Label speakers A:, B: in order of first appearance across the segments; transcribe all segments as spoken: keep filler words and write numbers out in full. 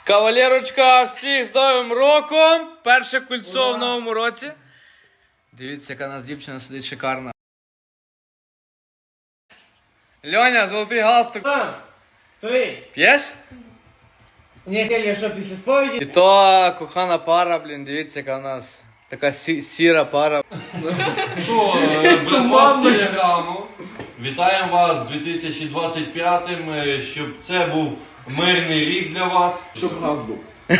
A: Кавалерочка, всіх з Новим роком! Перше кольцо в новому році. Дивіться, яка у нас дівчина сидить шикарна. Льоня, золотий галстук.
B: Стой!
A: П'єш?
B: Ні, я що, після сповіді?
A: І то кохана пара, блін, дивіться, яка у нас така сі- сіра пара.
C: Що, е, братва з телеграму, вітаємо вас з дві тисячі двадцять п'ятим, е, щоб це був мирний рік для вас.
B: Щоб газ був.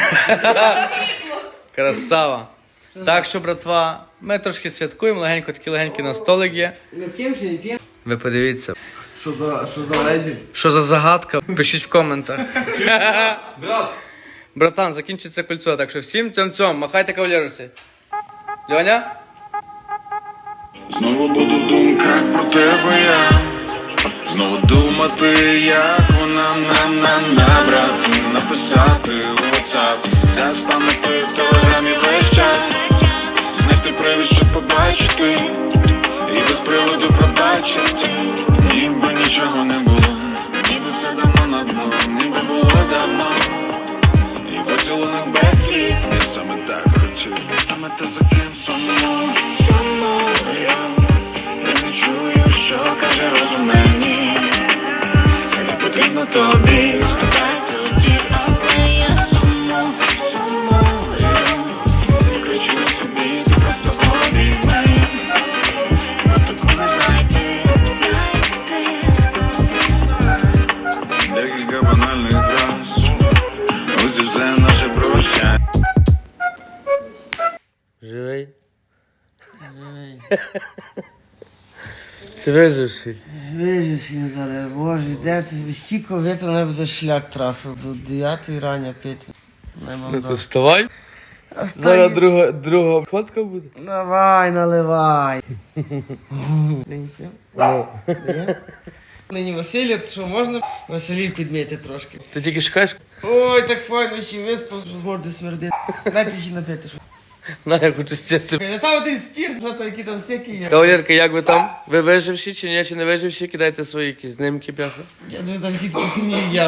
A: Красава. Так що, братва, ми трошки святкуємо, легенько, такі легенькі на столик є.
B: Ми п'ємо чи не п'ємо?
A: Ви подивіться.
B: Що за, що за леді?
A: Що за загадка? Пишіть в коментах.
C: Брат,
A: Братан, закінчиться кольцо, так що всім цьом-цьом, махайте кавалерусі. Льоня?
D: Знову буду в думках про тебе я. Знову думати, як вона на на набрати, написати у WhatsApp, заспамити в телеграмі весь чат, знайти привід, щоб побачити, і без приводу пробачити, ніби нічого не було, ніби все давно на дно, ніби було давно, і поцілунок без слів. Я саме так хотів, саме те, за ким сумую, сумую. Я не чую, що каже розум мені. Це не потрібно тобі. Спитай тоді, але я сумую, сумую. Не кричу собі, ти просто обійми. Бо таку не знайти, знайти. Декілька банальних фраз. Ось і все наше прощання.
A: Живий? Живий. Чи виживший?
B: Вижиш, я зараз, боже, де ти стільки випив, не буде шлях трафив. До дев'ятої рання пити. Не мам
A: Ну то
B: дати.
A: вставай. Зараз друга, друга ходка буде.
B: Давай, наливай. Не не п'ємо? Нині Василія, то що можна Василій підміти трошки?
A: Ти тільки шукаєш?
B: Ой, так файно, ще виспав, що зморди смердити. Дайте ще напити, що.
A: На, я хочу сіти.
B: Я там один спірт, що там, які там всякі є.
A: Кавалерка, як ви там? Ви виживші чи ні, чи не виживші? Кидайте свої якісь знімки, бляха.
B: Я думаю, там всі такі сім'ї є.